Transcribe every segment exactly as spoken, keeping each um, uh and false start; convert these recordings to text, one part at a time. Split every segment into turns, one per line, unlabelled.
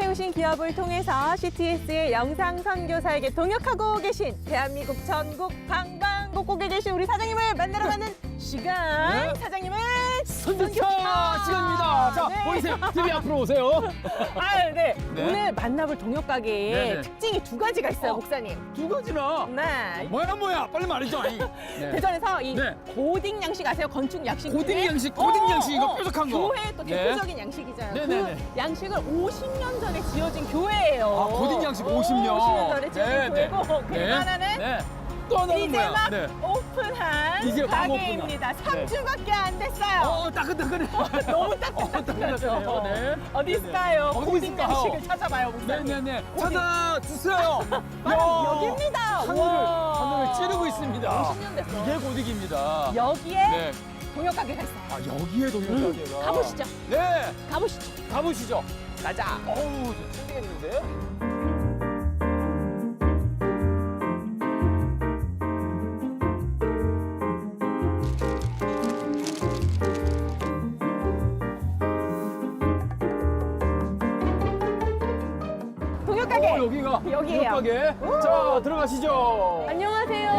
세우신 기업을 통해서 씨티에스의 영상 선교사에게 동역하고 계신 대한민국 전국 방방곡곡에 계신 우리 사장님을 만나러 가는 시간.
네.
사장님을
선교차
선교차.
시간입니다. 자,
네.
보이세요? 티비 앞으로 오세요.
아, 네.
네.
오늘 만나볼 동역 가게의
네네.
특징이 두 가지가 있어요,
어.
목사님.
두 가지나.
네.
뭐야 뭐야 빨리 말이죠. 아니. 네.
대전에서 이
네.
고딩 양식 아세요? 건축 양식.
고딩
중에?
양식, 고딩
어,
양식 이거
어,
뾰족한 거.
교회 또
네.
대표적인 양식이잖아요.
네네네.
그 양식을 오십 년 전에 지어진 교회예요.
아, 고딩 양식
오,
오십 년.
오십 년 전에 지어진
네, 네.
교회고 그리고
네.
하나는
네. 또 하나는
이제
뭐야?
막
네.
오픈한
이제 막
가게입니다.
오픈한.
삼 주밖에 안 됐어요.
어, 따끈따끈해.
너무
어,
따끈따끈하죠.
따끈따끈해요. 네.
어디
네네.
있을까요?
어디
고딩
있을까요?
양식을 찾아봐요, 목사님.
네네네.
고딩.
찾아주세요.
바로
야.
여기입니다.
하늘을,
우와.
하늘을 찌르고 있습니다.
오십 년 됐어.
이게 고딕입니다.
여기에
네.
동역 가게가 있어요.
아, 여기에 동역 가게가.
가보시죠.
네.
가보시죠.
가보시죠.
가자.
어우, 힘들겠는데?
동역 가게.
어, 여기가
여기예요.
동역 가게. 자, 들어가시죠.
안녕하세요.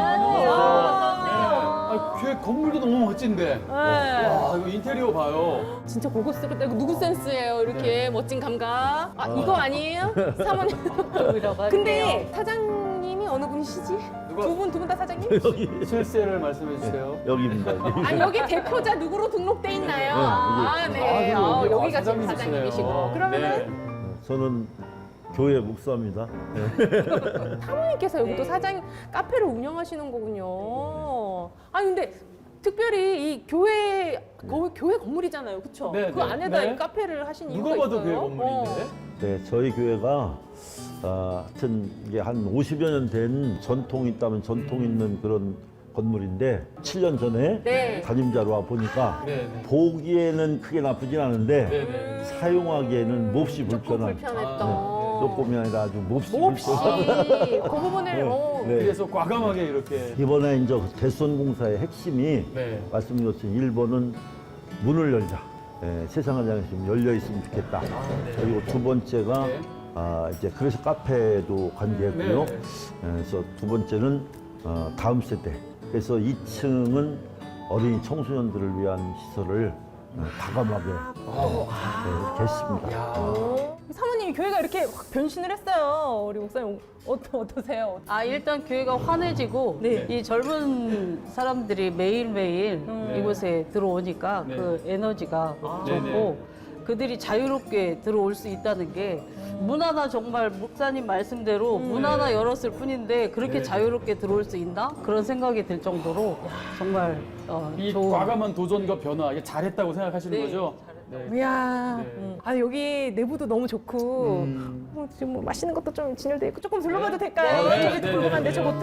아, 교회 건물도 너무 멋진데.
네.
와, 이거 인테리어 봐요.
진짜 고급스럽다. 이거 누구 센스예요? 이렇게
네.
멋진 감각. 아, 이거 아니에요? 사모님. 근데 사장님이 어느 분이시지?
누가?
두 분, 두 분 다 사장님?
실세를 말씀해 주세요.
여기입니다.
아니, 여기 대표자 누구로 등록돼 있나요?
네,
아,
여기.
네.
아,
어,
여기
여기가 지금
사장님이시네요.
사장님이시고. 그러면은
네.
저는 교회 목사입니다. 네.
사모님께서 여기 또 사장 카페를 운영하시는 거군요. 아니, 근데 특별히 이 교회, 거, 교회 건물이잖아요. 그쵸?
네,
그
네,
안에다
네.
이 카페를 하신 이유가
누가 봐도
있어요?
교회 건물인데.
어.
네, 저희 교회가 어, 하여튼 이게 한 오십여 년 된 전통이 있다면 전통 있는 그런 건물인데 칠 년 전에
네.
담임자로 와 보니까
네, 네.
보기에는 크게 나쁘진 않은데
네, 네.
사용하기에는 몹시
조금
불편한
불편했던.
아,
조금이 아니라 아주 몹시
몹시
불편한
그 부분을
네,
어,
네.
그래서 과감하게 이렇게.
이번에 이제 개선 공사의 핵심이
네.
말씀드렸듯이 일 번은 문을 열자. 예, 세상을 향해서 좀 열려 있으면 좋겠다. 그리고 두 번째가
네.
아, 이제 그래서 카페도 관계했고요.
네.
예, 그래서 두 번째는 어, 다음 세대. 그래서 이 층은 어린이 청소년들을 위한 시설을 어, 과감하게 네, 이렇게 했습니다.
야.
어. 사모님이 교회가 이렇게 확 변신을 했어요. 우리 목사님 어떠, 어떠세요?
아 일단 교회가 환해지고
네.
이 젊은 사람들이 매일매일
음.
이곳에 들어오니까
네.
그 에너지가
아.
좋고
네네.
그들이 자유롭게 들어올 수 있다는 게 문 하나 정말 목사님 말씀대로 문 하나 열었을 뿐인데 그렇게
네.
자유롭게 들어올 수 있나? 그런 생각이 들 정도로 정말 어,
이
좋은
과감한 도전과 변화, 이게 잘했다고 생각하시는
네,
거죠?
잘했다.
네.
이야.
네.
음. 아, 여기 내부도 너무 좋고
음.
뭐 지금 뭐 맛있는 것도 좀 진열돼 있고 조금 둘러봐도 될까요?
네,
저기
네,
궁금한데
네,
저것도.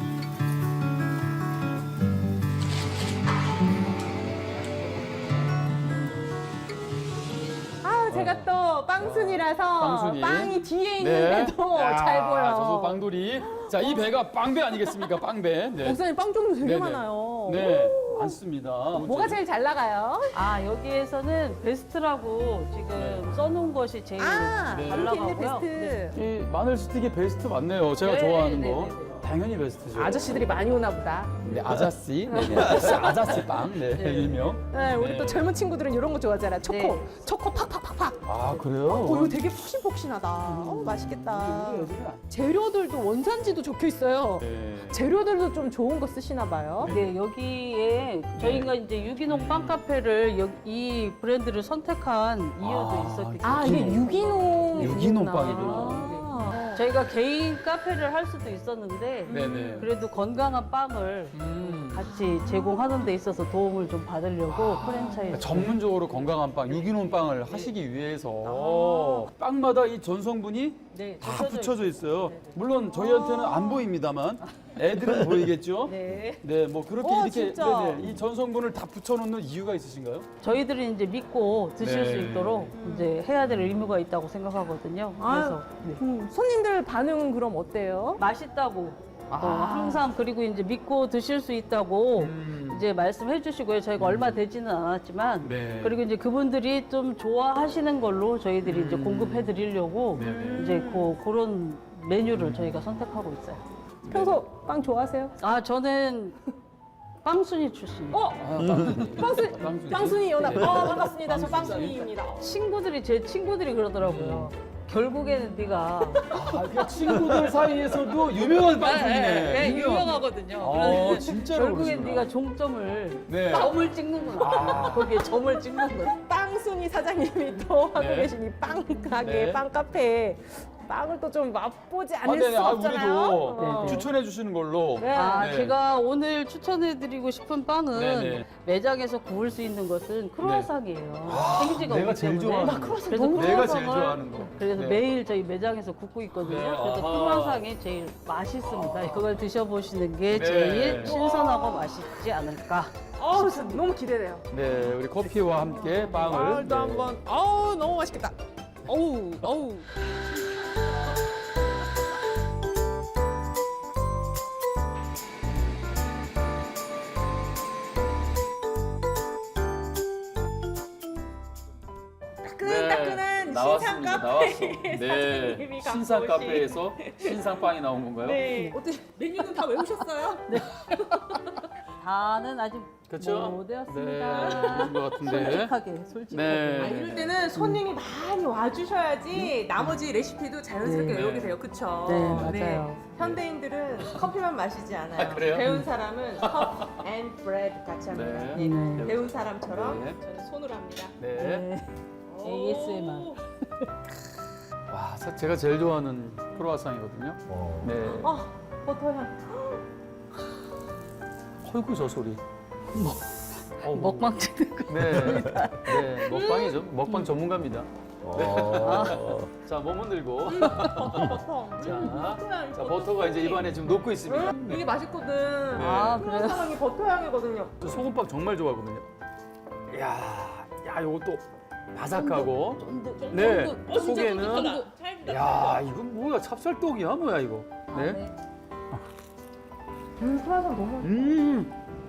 아, 제가 또 빵순이라서
빵순이.
빵이 뒤에 있는데도
야,
잘 보여.
저도 빵돌이. 자, 이 배가 빵배 아니겠습니까? 빵배. 네.
목사님 빵 종류 되게
네네.
많아요.
네, 많습니다.
뭐가 제일 잘 나가요?
아 여기에서는 베스트라고 지금
네.
써놓은 것이 제일
아,
네.
잘
이렇게 있네,
나가고요.
베스트.
이 마늘 스틱이 베스트 맞네요. 제가
네,
좋아하는
네,
거.
네, 네.
당연히 베스트죠.
아저씨들이 많이 오나 보다.
네, 아자씨. 네, 네. 아자씨 빵. 네,
네.
일명.
네, 우리
네.
또 젊은 친구들은 이런 거 좋아하잖아. 초코.
네.
초코 팍팍팍팍.
아, 그래요?
어, 이거 되게 폭신폭신하다. 어, 맛있겠다.
우리 애들은 안-
재료들도 원산지도 적혀 있어요.
네.
재료들도 좀 좋은 거 쓰시나 봐요.
네, 여기에 저희가 이제 유기농 빵 카페를 여- 이 브랜드를 선택한 이유도
아,
있었기 때문에
아, 이게 유기농.
유기농
빵이구나.
빵이구나.
저희가 개인 카페를 할 수도 있었는데
네네.
그래도 건강한 빵을
음.
같이 제공하는 데 있어서 도움을 좀 받으려고 프랜차이즈
그러니까 전문적으로 건강한 빵, 유기농 빵을 하시기 위해서 빵마다 이 전성분이
네,
다
붙여져
붙여져 있어요. 물론 저희한테는 안 보입니다만 애들은 보이겠죠?
네.
네, 뭐 그렇게
어,
이렇게
진짜.
네네, 이 전성분을 다 붙여놓는 이유가 있으신가요?
저희들이 이제 믿고 드실
네.
수 있도록 이제 해야 될 의무가 있다고 생각하거든요. 그래서 네.
음, 손님들 반응은 그럼 어때요?
맛있다고
아.
어, 항상 그리고 이제 믿고 드실 수 있다고
음.
이제 말씀해 주시고요. 저희가 얼마 되지는 않았지만
네.
그리고 이제 그분들이 좀 좋아하시는 걸로 저희들이 이제 공급해 드리려고
네, 네.
이제 그, 그런 메뉴를 저희가 선택하고 있어요.
평소 빵 좋아하세요?
아, 저는 빵순이 출신이에요.
어? 빵순,
빵순이.
빵순이 연합.
네.
어, 반갑습니다. 저 빵순이입니다.
친구들이 제 친구들이 그러더라고요. 결국에는 네가
아, 그 친구들 사이에서도 유명한 빵순이네.
네,
유명.
유명하거든요.
어,
그러니까
진짜로
결국엔
그러시구나.
네가 종점을
네.
점을 찍는구나. 거기에 점을 찍는 거야.
빵순이 사장님이 또 하고
네.
계신 이 빵 가게,
네.
빵 카페. 빵을 또 좀 맛보지
아,
않을
네네.
수
아,
없잖아요.
우리도
어.
추천해 주시는 걸로.
네.
아,
네.
제가 오늘 추천해드리고 싶은 빵은
네네.
매장에서 구울 수 있는 것은 크루아상이에요. 생지가
내가
오기
제일
때문에.
좋아하는
나 크루아상
그래서
너무
내가 제일
크루아상을-
좋아하는 거.
그래서
네.
매일 저희 매장에서 굽고 있거든요.
네.
그래서
아하.
크루아상이 제일 맛있습니다. 그걸 드셔보시는 게
네.
제일 신선하고 맛있지 않을까.
어, 진짜 너무 기대돼요.
네, 우리 커피와 함께 빵을.
아, 일단
네.
한번. 어우, 너무 맛있겠다. 어우, 어우. 따끈따끈한 신상
나왔습니다. 나왔어.
카페
네.
사장님이 갖고
신상
오신-
카페에서 신상 빵이 나온 건가요?
네. 어때 메뉴는 다 외우셨어요?
다는 아직
그렇죠?
못
네,
외웠습니다.
그런 것 같은데.
솔직하게, 솔직하게.
네.
아, 이럴 때는 손님이 많이 와주셔야지 나머지 레시피도 자연스럽게
네.
외우게 돼요. 그쵸?
네, 맞아요.
현대인들은 커피만 마시지 않아요.
아, 그래요?
배운 사람은 컵 앤 브레드 같이 합니다.
네.
네.
네.
배운 사람처럼
네.
저는 손으로 합니다.
네.
네. 에이에스엠알.
오.
와, 사- 제가 제일 좋아하는 크로와상이거든요.
어.
네.
아, 버터향.
헐구 저 소리. 어,
먹방 찍는 거.
네. 네. 먹방이죠. 먹방 전문가입니다.
어.
자, 몸 흔들고.
버터, 버터.
자,
버터향,
자, 버터가 이제 입안에 지금 녹고 있습니다.
음, 이게 맛있거든.
아, 그래요?
크루아상이 버터향이거든요.
저 소금빵 정말 좋아하거든요. 이야, 야, 요것도 바삭하고. 네.
어, 진짜
속에는.
쫀득하다. 찰지다.
야, 이건 뭐야? 찹쌀떡이야, 뭐야 이거? 네.
네.
음, 크루아상 너무 맛있어.
음.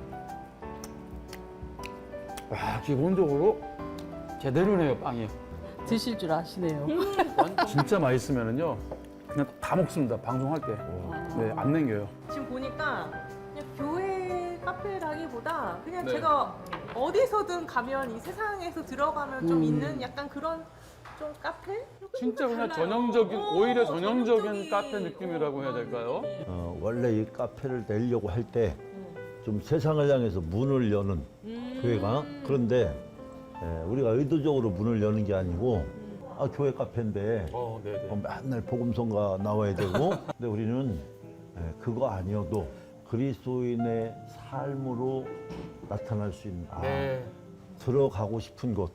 와, 기본적으로 제대로네요, 빵이.
드실 줄 아시네요.
진짜 맛있으면은요, 그냥 다 먹습니다. 방송할 때. 네, 안 남겨요.
지금 보니까 그냥 교회 카페라기보다 그냥
네.
제가 어디서든 가면 이 세상에서 들어가면 좀
음.
있는 약간 그런 좀 카페?
진짜 그냥
달라요.
전형적인,
어,
오히려 전형적인
전형적인.
카페 느낌이라고 해야 될까요?
어, 원래 이 카페를 내려고 할 때 좀 세상을 향해서 문을 여는 교회가 그런데 에, 우리가 의도적으로 문을 여는 게 아니고 아 교회 카페인데
어, 네네.
어, 맨날 복음성가 나와야 되고 근데 우리는 에, 그거 아니어도 그리스도인의 삶으로 나타날 수 있는 아,
네.
들어가고 싶은 곳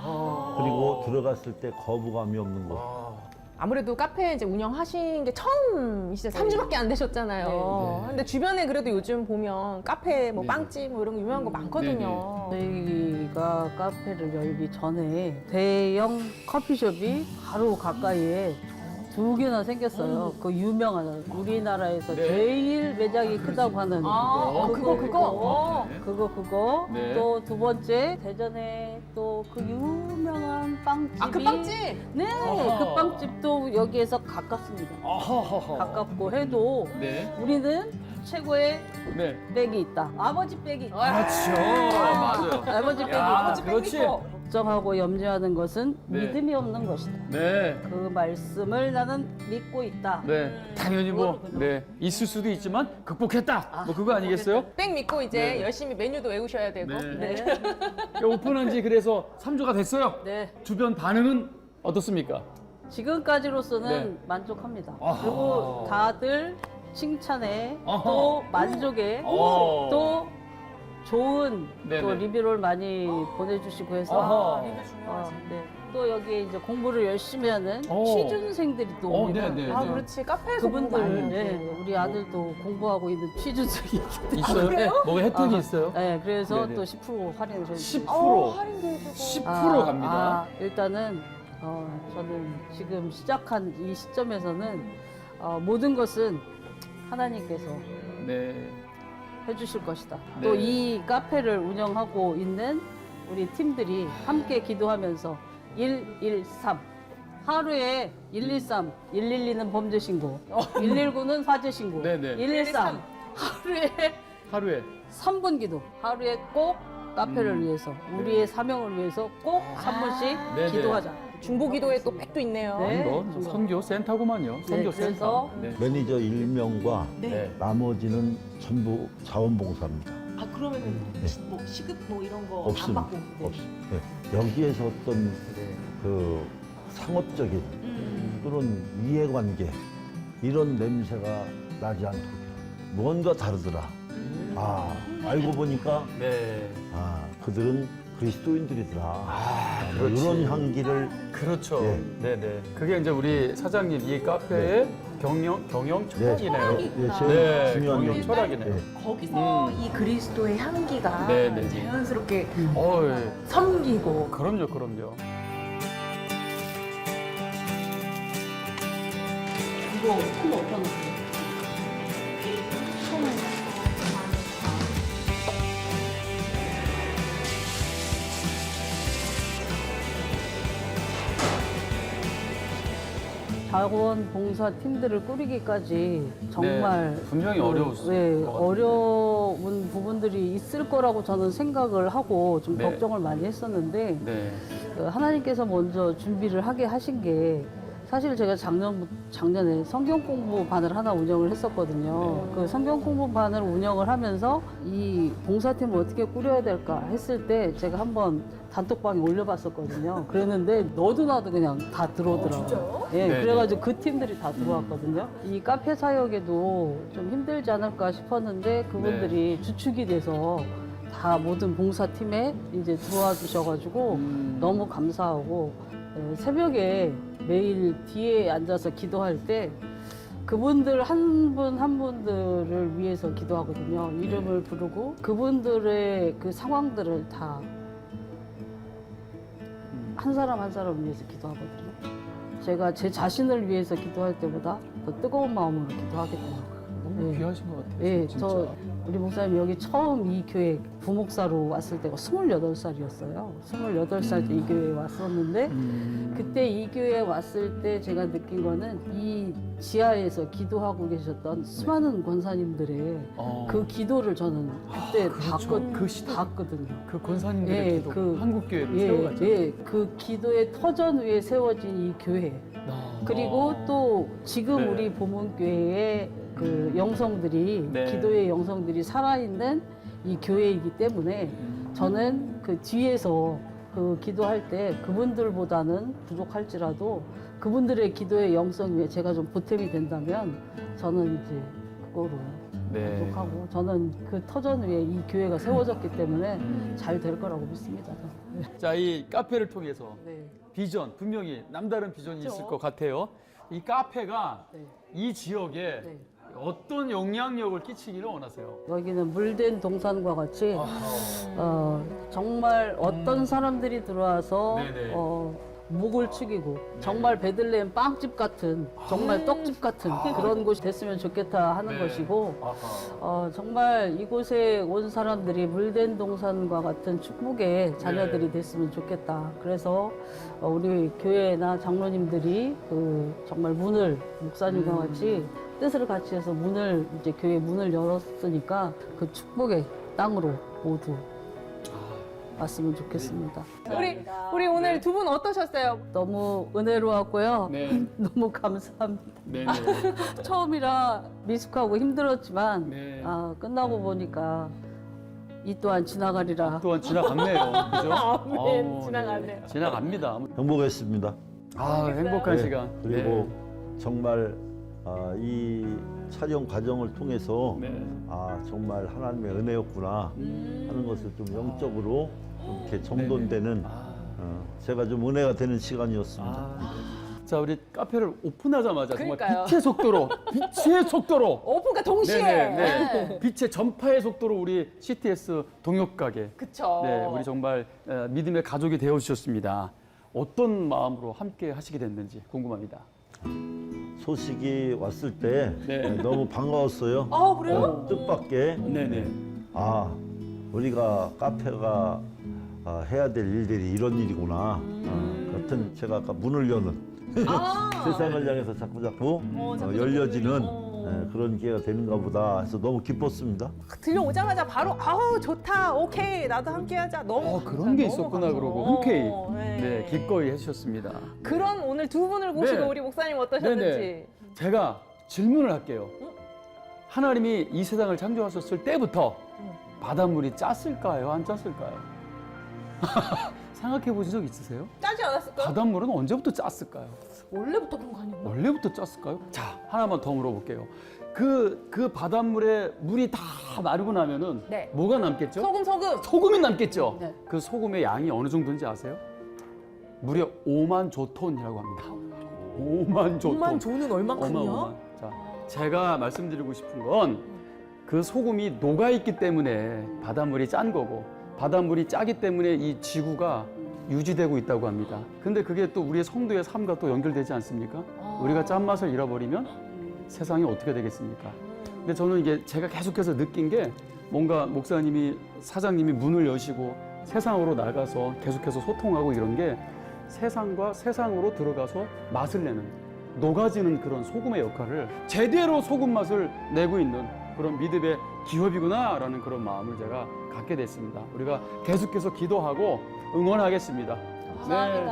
그리고 들어갔을 때 거부감이 없는 곳
아,
아무래도 카페 이제 운영하신 게 처음이시죠. 삼 주밖에 안 되셨잖아요.
네, 네.
근데 주변에 그래도 요즘 보면 카페, 뭐
네.
빵집 뭐 이런 거 유명한 거 많거든요.
저희가 카페를 열기 전에 대형 커피숍이 바로 가까이에 두 개나 생겼어요. 그 유명한 우리나라에서
네.
제일 매장이 크다고 하는
아, 어, 그거, 그거. 어.
네.
그거 그거
네.
또 두 번째 대전에 또 그 유명한 빵집이
아, 그 빵집?
네,
아하.
그 빵집도 여기에서 가깝습니다.
아하하하.
가깝고 해도
네.
우리는 최고의
네.
백이 있다. 아버지 백이.
그렇죠. 맞아요.
아버지 백이.
야,
아버지
그렇지.
뺏기고.
걱정하고 염려하는 것은
네.
믿음이 없는 것이다.
네.
그 말씀을 나는 믿고 있다.
네. 당연히 뭐, 네. 있을 수도 있지만 극복했다. 뭐 그거 아니겠어요?
백 믿고 이제
네.
열심히 메뉴도 외우셔야 되고.
네.
네.
오픈한 지 그래서 삼 주가 됐어요.
네.
주변 반응은 어떻습니까?
지금까지로서는
네.
만족합니다.
아하.
그리고 다들 칭찬에
아하.
또 만족에
어.
또 좋은
네네.
또 리뷰를 많이 보내주시고 해서
아하.
어, 네. 또 여기 이제 공부를 열심히 하는
어.
취준생들이 또
어,
옵니다.
네네.
아, 그렇지. 카페에서 공부 많이
그분들,
하지.
네, 우리 아들도 공부하고 있는 취준생이기 때문에.
있어요? 뭐가 혜택이
아,
있어요?
네, 그래서
네네.
또 십 퍼센트 할인을 저희
십
어,
퍼센트.
할인도 해주고.
십 퍼센트
아,
갑니다.
아, 일단은 어, 저는 지금 시작한 이 시점에서는 어, 모든 것은 하나님께서
네.
해주실 것이다.
네.
또 이 카페를 운영하고 있는 우리 팀들이 함께 기도하면서 일일삼 하루에 일일삼, 일일이는 범죄 신고, 일일구는 화재 신고,
네네.
일일삼 하루에
하루에
삼 분 기도, 하루에 꼭 카페를
음.
위해서, 우리의 사명을 위해서 꼭 삼 분씩
네네.
기도하자.
중보기도에 또 백도 있네요.
네.
뭐
중보.
선교 센터구만요. 선교
네,
센터.
그래서
네.
매니저 일 명과
네.
나머지는 전부 자원봉사입니다.
아 그러면은 뭐 시급 뭐 이런 거 안
없습니다.
받고
없습니다. 네. 여기에서 어떤
네.
그 상업적인
음.
또는 이해관계 이런 냄새가 나지 않도록 뭔가 다르더라. 아 알고 보니까
네.
아 그들은 그리스도인들이더라.
아,
뭐
그렇지.
이런 향기를
그렇죠.
네.
네, 네. 그게 이제 우리 사장님 이 카페의 경영 경영 철학이네요.
예, 제일
네,
중요한
경영
게
철학이네요.
네.
거기서
음.
이 그리스도의 향기가
네, 네, 네.
자연스럽게
어, 예.
섬기고
그럼요, 그럼요.
이거 콩 어떤 거? 자원봉사 팀들을 꾸리기까지 정말
네, 분명히
그,
어려웠을
네,
것 같아요.
어려운 부분들이 있을 거라고 저는 생각을 하고 좀
네.
걱정을 많이 했었는데
네.
그 하나님께서 먼저 준비를 하게 하신 게 사실 제가 작년 작년에 성경 공부반을 하나 운영을 했었거든요.
네.
그 성경 공부반을 운영을 하면서 이 봉사팀을 어떻게 꾸려야 될까 했을 때 제가 한번 단톡방에 올려봤었거든요. 그랬는데 너도 나도 그냥 다 들어오더라고요. 예,
네,
그래가지고 그 팀들이 다 들어왔거든요. 이 카페 사역에도 좀 힘들지 않을까 싶었는데 그분들이 주축이 돼서 다 모든 봉사팀에 이제 들어와 주셔가지고
음.
너무 감사하고 에, 새벽에 매일 뒤에 앉아서 기도할 때 그분들 한 분 한 분들을 위해서 기도하거든요. 이름을 부르고 그분들의 그 상황들을 다 한 사람 한 사람 위해서 기도하거든요. 제가 제 자신을 위해서 기도할 때보다 더 뜨거운 마음으로 기도하겠더라고요.
너무
네.
귀하신 것 같아요.
예,
진짜.
저 우리 목사님 여기 처음 이 교회 부목사로 왔을 때가 스물여덟 살이었어요. 스물여덟 살 때 이 교회에 왔었는데
음.
그때 이 교회에 왔을 때 제가 느낀 거는 이 지하에서 기도하고 계셨던 수많은 권사님들의
어.
그 기도를 저는 그때
그렇죠.
봤거,
그 시대.
봤거든요.
그 권사님들의
예,
기도,
그-
한국 교회를
예,
세워가죠.
예, 그 기도의 터전 위에 세워진 이 교회.
아.
그리고 또 지금
네.
우리 보문교회의 그 영성들이
네.
기도의 영성들이 살아있는 이 교회이기 때문에
음.
저는 그 뒤에서 그 기도할 때 그분들보다는 부족할지라도 그분들의 기도의 영성 위에 제가 좀 보탬이 된다면 저는 이제 그거로
네.
부족하고 저는 그 터전 위에 이 교회가 세워졌기 때문에
음.
잘 될 거라고 믿습니다. 저는.
자, 이 카페를 통해서
네.
비전, 분명히 남다른 비전이
그렇죠.
있을 것 같아요. 이 카페가
네.
이 지역에
네.
어떤 영향력을 끼치기를 원하세요?
여기는 물된 동산과 같이 어, 정말 어떤 사람들이 들어와서
네네.
어, 목을 축이고 정말 베들레헴 빵집 같은 정말 떡집 같은 그런 곳이 됐으면 좋겠다 하는
네.
것이고
아하.
어, 정말 이곳에 온 사람들이 물된 동산과 같은 축복의 자녀들이
네.
됐으면 좋겠다. 그래서 어, 우리 교회나 장로님들이 그 정말 문을 목사님과
음.
같이 뜻을 같이 해서 문을 이제 교회 문을 열었으니까 그 축복의 땅으로 모두 왔으면 좋겠습니다.
우리 우리 오늘 두 분 어떠셨어요?
너무 은혜로웠고요.
네.
너무 감사합니다.
네네.
처음이라 미숙하고 힘들었지만
네.
아, 끝나고 보니까 이 또한 지나가리라.
또한 지나갔네요. 그죠?
아멘.
아우,
지나갔네요.
네. 지나갑니다.
행복했습니다.
아, 행복한
네,
시간.
그리고 정말 아, 이 촬영 과정을 통해서
네. 네.
아 정말 하나님의 은혜였구나 하는 것을 좀 영적으로 좀 이렇게 정돈되는
아.
어, 제가 좀 은혜가 되는 시간이었습니다.
아. 자, 우리 카페를 오픈하자마자 정말
그러니까요.
빛의 속도로, 빛의 속도로.
오픈과 동시에.
네네, 네. 빛의 전파의 속도로 우리 씨티에스 동역가게.
그쵸.
네, 우리 정말 어, 믿음의 가족이 되어 주셨습니다. 어떤 마음으로 함께 하시게 됐는지 궁금합니다.
소식이 왔을 때
네.
너무 반가웠어요.
아 그래요?
어, 뜻밖의
네네.
아 우리가 카페가 아, 해야 될 일들이 이런 일이구나.
음.
아, 같은 제가 아까 문을 여는
아.
세상을 향해서 자꾸 자꾸
어,
어,
자꾸
열려지는
자꾸.
예, 그런 기회가 되는가 보다 해서 너무 기뻤습니다.
들려오자마자 바로 아우 좋다 오케이 나도 함께하자 너무
어,
감사,
그런 게
너무
있었구나
감사.
그러고 흔쾌히
어,
네, 기꺼이 해주셨습니다.
그런 오늘 두 분을 모시고
네.
우리 목사님 어떠셨는지.
네네. 제가 질문을 할게요. 하나님이 이 세상을 창조하셨을 때부터 바닷물이 짰을까요? 안 짰을까요? 생각해 보신 적 있으세요?
짜지 않았을까요?
바닷물은 언제부터 짰을까요?
원래부터 그런 거 아니었나?
원래부터 짰을까요? 자, 하나만 더 물어볼게요. 그, 그 바닷물에 물이 다 마르고 나면은
네.
뭐가 남겠죠?
소금 소금.
소금이 남겠죠?
네.
그 소금의 양이 어느 정도인지 아세요? 무려 오만 조톤이라고 합니다. 오만 조톤.
오만 조는 얼마큼이요?
어마어마. 자, 제가 말씀드리고 싶은 건 그 소금이 녹아있기 때문에 바닷물이 짠 거고 바닷물이 짜기 때문에 이 지구가 유지되고 있다고 합니다. 근데 그게 또 우리의 성도의 삶과 또 연결되지 않습니까?
아.
우리가 짠맛을 잃어버리면 세상이 어떻게 되겠습니까? 근데 저는 이게 제가 계속해서 느낀 게 뭔가 목사님이 사장님이 문을 여시고 세상으로 나가서 계속해서 소통하고 이런 게 세상과 세상으로 들어가서 맛을 내는 녹아지는 그런 소금의 역할을 제대로 소금 맛을 내고 있는 그런 믿음의 기업이구나라는 그런 마음을 제가 갖게 됐습니다. 우리가 계속해서 기도하고 응원하겠습니다.
감사합니다.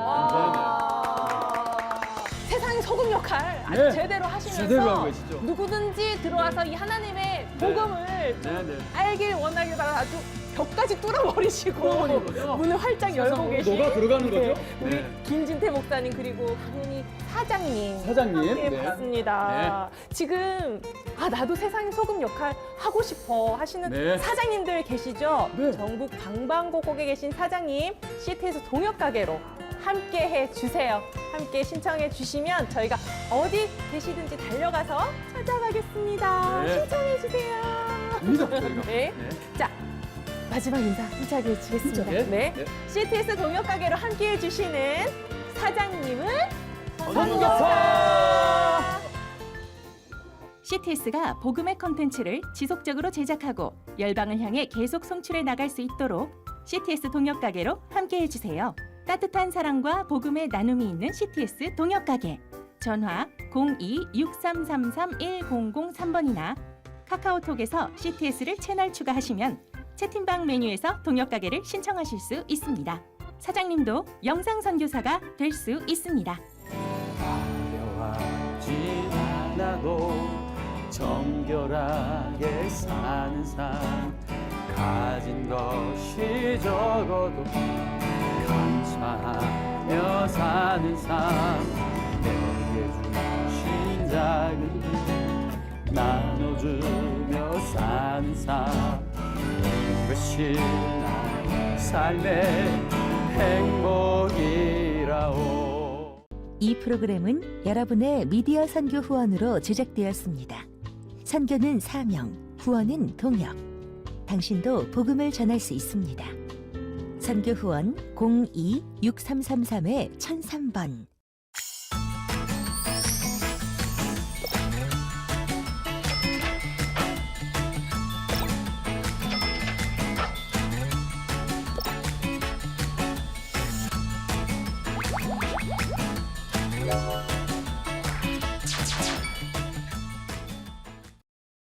아. 세상의 소금 역할 아주
네.
제대로 하시면서
제대로 하고 계시죠.
누구든지 들어와서 이 하나님의 복음을
네, 네.
알길 원하길 바라 아주 벽까지 뚫어버리시고
뚫어버리는 거죠.
문을 활짝 열고
세상으로
계신
녹아 들어가는
네,
거죠.
우리
네.
김진태 목사님 그리고 당연히 사장님
사장님.
함께
네.
봤습니다. 지금 아 나도 세상의 소금 역할 하고 싶어 하시는
네.
사장님들 계시죠?
네.
전국 방방곡곡에 계신 사장님 시티에서 동역 가게로 함께 해 주세요. 함께 신청해 주시면 저희가 어디 계시든지 달려가서 찾아가겠습니다.
네.
신청해 주세요.
갑니다. 저희가.
네. 자, 마지막 인사 힘차게 해주겠습니다.
네.
네.
네.
씨티에스 동역 가게로 함께 해주시는 사장님은
선교사!
씨티에스가 복음의 콘텐츠를 지속적으로 제작하고 열방을 향해 계속 송출해 나갈 수 있도록 씨티에스 동역 가게로 함께 해주세요. 따뜻한 사랑과 복음의 나눔이 있는 씨티에스 동역 가게. 전화 공이 육삼삼삼 일공공삼 번이나 카카오톡에서 씨티에스를 채널 추가하시면 채팅방 메뉴에서 동역 가게를 신청하실 수 있습니다. 사장님도 영상 선교사가 될 수 있습니다.
어려워하지 않아도 정결하게 사는 삶 가진 것이 적어도 감사하며 사는 삶 내게 주신 작은 것 나눠주며 사는 삶 이것이 나의 삶의 행복이라오.
이 프로그램은 여러분의 미디어 선교 후원으로 제작되었습니다. 선교는 사명, 후원은 동역. 당신도 복음을 전할 수 있습니다. 선교 후원 공이 육삼삼삼 천삼 번